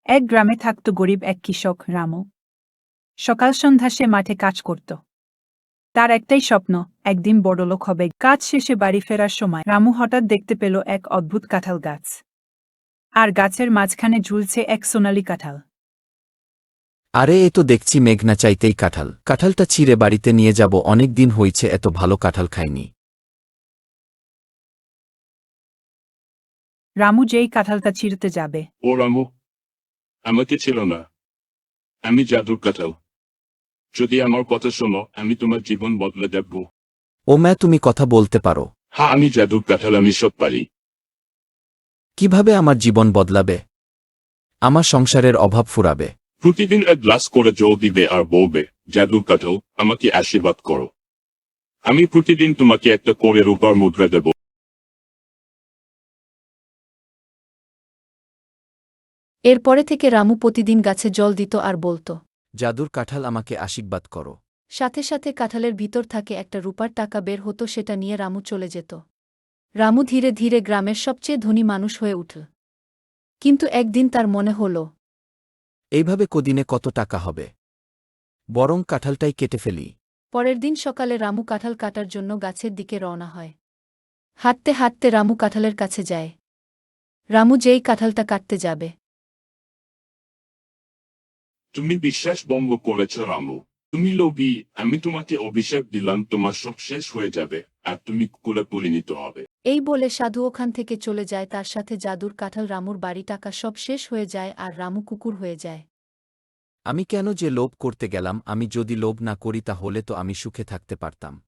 এক গ্রামে থাকত গরিব এক কৃষক রামু। সকাল সন্ধ্যা সে মাঠে কাজ করত। তার একটাই স্বপ্ন, একদিন বড়লোক হবে। কাজ শেষে বাড়ি ফেরার সময় রামু হঠাৎ দেখতে পেল এক অদ্ভুত কাঁঠাল গাছ। আর গাছের মাঝখানে ঝুলছে এক সোনালি কাঁঠাল। আরে এ তো দেখছি মেঘনা চাইতেই কাঁঠাল। কাঁঠালটা ছিঁড়ে বাড়িতে নিয়ে যাব, অনেক দিন হইছে এত ভালো কাঁঠাল খাইনি। রামু যেই কাঁঠালটা ছিঁড়তে যাবে, ও রামু, আমাকে ছিল না। আমি জাদুর কাঁঠাল। যদি আমার কথা শোনো, আমি তোমার জীবন বদলে দেব। ও ম্যা, তুমি কথা বলতে পারো? হ্যাঁ, আমি জাদুর কাঁঠাল, আমি সব পারি। কিভাবে আমার জীবন বদলাবে? আমার সংসারের অভাব ফুরাবে? প্রতিদিন এক গ্লাস করে জল দিবে আর বলবে, জাদুর কাঁঠাল, আমাকে আশীর্বাদ করো। আমি প্রতিদিন তোমাকে একটা করে রূপার মুদ্রা দেব। এরপরে থেকে রামু প্রতিদিন গাছে জল দিত আর বলত, জাদুর কাঁঠাল, আমাকে আশীর্বাদ করো। সাথে সাথে কাঁঠালের ভিতর থাকে একটা রূপার টাকা বের হতো, সেটা নিয়ে রামু চলে যেত। রামু ধীরে ধীরে গ্রামের সবচেয়ে ধনী মানুষ হয়ে উঠল। কিন্তু একদিন তার মনে হল, এইভাবে কদিনে কত টাকা হবে? বরং কাঁঠালটাই কেটে ফেলি। পরের দিন সকালে রামু কাঁঠাল কাটার জন্য গাছের দিকে রওনা হয়। হাঁটতে হাঁটতে রামু কাঁঠালের কাছে যায়। রামু যেই কাঁঠালটা কাটতে যাবে, তুমি বিশ্বাস ভঙ্গ করেছ রামু। তুমি লোভী। আমি তোমাকে অভিশাপ দিলাম, তোমার সব শেষ হয়ে যাবে আর তুমি কুকুরে পরিণত হবে। এই বলে সাধু ওখান থেকে চলে যায়। তার সাথে জাদুর কাঁঠাল, রামুর বাড়ি, টাকা সব শেষ হয়ে যায় আর রামু কুকুর হয়ে যায়। আমি কেন যে লোভ করতে গেলাম? আমি যদি লোভ না করি তাহলে তো আমি সুখে থাকতে পারতাম।